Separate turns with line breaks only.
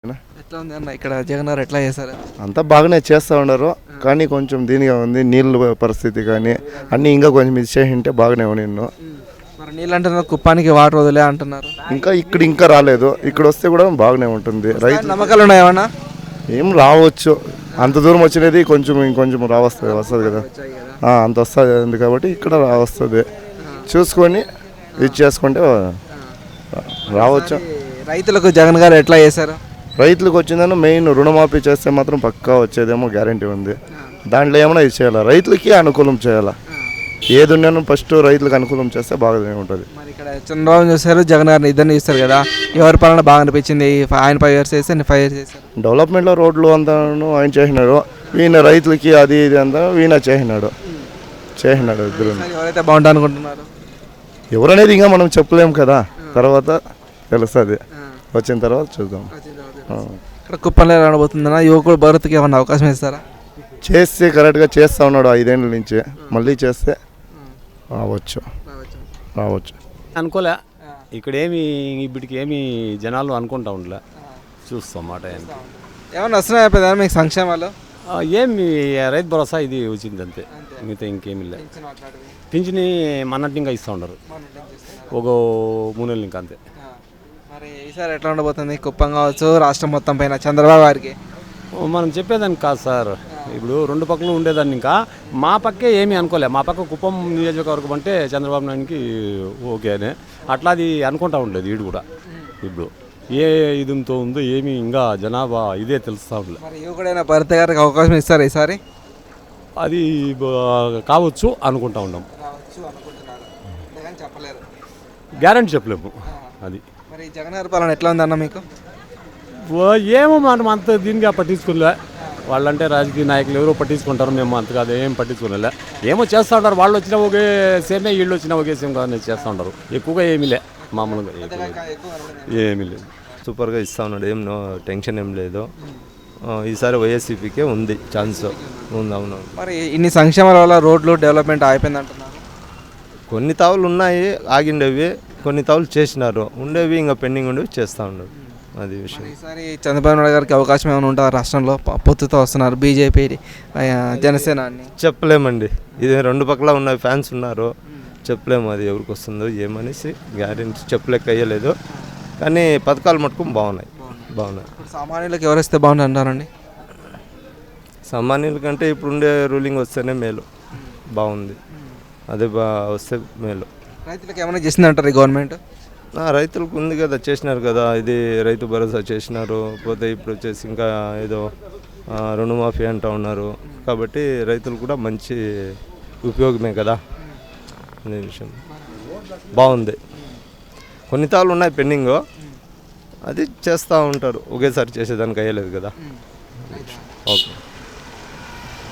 ఎట్లా ఉంది అన్న ఇక్కడ జగన్ గారు ఎట్లా చేశారు?
అంతా బాగానే చేస్తూ ఉన్నారు, కానీ కొంచెం దీనిగా ఉంది. నీళ్ళ పరిస్థితి కానీ అన్నీ ఇంకా కొంచెం ఇచ్చేసి ఉంటే బాగానే నిన్ను.
మరి నీళ్ళు అంటున్నారు, కుప్పానికి వాటర్ వదిలే అంటున్నారు.
ఇంకా రాలేదు. ఇక్కడ వస్తే కూడా బాగానే ఉంటుంది. రైతు
నమ్మకాలు ఉన్నాయేమన్నా?
ఏం రావచ్చు, అంత దూరం వచ్చినది ఇంకొంచెం వస్తుంది కదా, అంత వస్తుంది కాబట్టి ఇక్కడ వస్తుంది. చూసుకొని ఇది చేసుకుంటే రావచ్చు.
రైతులకు జగన్ గారు ఎట్లా చేశారు?
రైతులకు వచ్చిందని మెయిన్ రుణమాఫీ చేస్తే మాత్రం పక్కా వచ్చేదేమో గ్యారంటీ ఉంది. దాంట్లో ఏమైనా ఇది చేయాలా, రైతులకి అనుకూలం చేయాలా. ఏది ఉన్నానో ఫస్ట్ రైతులకు అనుకూలం చేస్తే బాగానే ఉంటుంది.
మరి ఇక్కడ చంద్రబాబు చూశారు, జగన్ గారిని ఇద్దరిని చూస్తారు కదా, ఎవరి పాలన బాగా అనిపించింది? ఆయన 5 years చేస్తే 5 years చేశారు.
డెవలప్మెంట్లో రోడ్లు అంతా ఆయన చేసినాడు, ఈయన రైతులకి అది ఇది అంతా ఈయన చేసినాడు ఇద్దరు.
ఎవరైతే బాగుంటా అనుకుంటున్నారు?
ఎవరనేది ఇంకా మనం చెప్పలేము కదా, తర్వాత తెలుస్తుంది. వచ్చిన తర్వాత చూద్దాం.
ఇక్కడ కుప్పంలో రాబోతుందన్న యువకుడు భరత్కి ఏమన్నా అవకాశం ఇస్తారా?
చేస్తే కరెక్ట్గా చేస్తూ ఉన్నాడు 5 ఏళ్ళ నుంచి, మళ్ళీ చేస్తే రావచ్చు.
అనుకోలే, ఇక్కడేమి ఇప్పటికి ఏమి జనాలు అనుకుంటా ఉండలే, చూస్తాం మాట.
ఏమన్నా వస్తున్నాయి మీకు సంక్షేమాలు?
ఏమి రైతు భరోసా ఇది వచ్చింది అంతే, మిగతా ఇంకేమి లే. పింఛని మన్నట్టు ఇంకా ఇస్తూ ఉండరు, ఒక 3 నెలలు ఇంకా అంతే.
మరి ఈసారి ఎట్లా ఉండబోతుంది కుప్పం కావచ్చు, రాష్ట్రం మొత్తం పైన చంద్రబాబు గారికి?
మనం చెప్పేదాన్ని కాదు సార్, ఇప్పుడు 2 పక్కలు ఉండేదాన్ని. ఇంకా మా పక్కే ఏమీ అనుకోలే, మా పక్క కుప్పం నియోజకవర్గం అంటే చంద్రబాబు నాయుడికి ఓకే అని అట్లా అది అనుకుంటా ఉండలేదు. వీడు కూడా ఇప్పుడు ఏ ఇదితో ఉందో ఏమి ఇంకా జనాభా ఇదే తెలుస్తూ ఉండలేదు.
మరి యువకుడైన భరత్ గారికి అవకాశం ఇస్తారు ఈసారి?
అది కావచ్చు అనుకుంటా ఉన్నాం, గ్యారెంటీ చెప్పలేము. అది
మరి జగన్ గారి పాలన ఎట్లా ఉందన్న మీకు?
ఏమో మనం అంత దీనిగా పట్టించుకోలే. వాళ్ళంటే రాజకీయ నాయకులు ఎవరో పట్టించుకుంటారు, మేము అంతగా ఏం పట్టించుకోలే. ఏమో చేస్తూ ఉంటారు, వాళ్ళు వచ్చినా ఒకే సేమే, వీళ్ళు వచ్చినా ఒకే సేమ్ కానీ చేస్తూ ఉంటారు. ఎక్కువగా ఏమీ లే, మామూలుగా ఏమీ లేదు.
సూపర్గా ఇస్తూ ఉన్నాడు, ఏం టెన్షన్ ఏం లేదు. ఈసారి వైఎస్సీపీకే ఉంది ఛాన్స్ ఉంది. అవును.
మరి ఇన్ని సంక్షేమాల వల్ల రోడ్లు డెవలప్మెంట్ అయిపోయింది అంటున్నారు.
కొన్ని తావులు ఉన్నాయి ఆగిండేవి, కొన్ని తావులు చేసినారు, ఉండేవి ఇంకా పెండింగ్ ఉండేవి చేస్తూ ఉన్నారు. అది విషయం.
ఈసారి చంద్రబాబు నాయుడు గారికి అవకాశం ఏమైనా ఉంటుందా? రాష్ట్రంలో పొత్తుతో వస్తున్నారు బీజేపీ జనసేన అని.
చెప్పలేమండి, ఇది 2 పక్కల ఉన్న ఫ్యాన్స్ ఉన్నారు, చెప్పలేము అది ఎవరికి వస్తుందో ఏమనేసి గ్యారెంటీ చెప్పలేక అయ్యలేదు. కానీ పథకాలు మటుకు బాగున్నాయి.
సామాన్యులకు ఎవరు వస్తే బాగుంటుంది అంటారండి?
సామాన్యుల కంటే ఇప్పుడుండే రూలింగ్ వస్తేనే మేలు, బాగుంది. అదే వస్తే మేలు.
రైతులకు ఏమైనా చేసింది అంటారు ఈ గవర్నమెంట్?
రైతులకు ఉంది కదా, చేసినారు కదా, ఇది రైతు భరోసా చేసినారు. పోతే ఇప్పుడు వచ్చేసి ఇంకా ఏదో రుణమాఫీ అంటూ ఉన్నారు. కాబట్టి రైతులు కూడా మంచి ఉపయోగమే కదా అనే విషయం. బాగుంది. కొన్ని తాళ్ళు ఉన్నాయి పెండింగ్, అది చేస్తూ ఉంటారు, ఒకేసారి చేసేదానికి అయ్యలేదు కదా. ఓకే.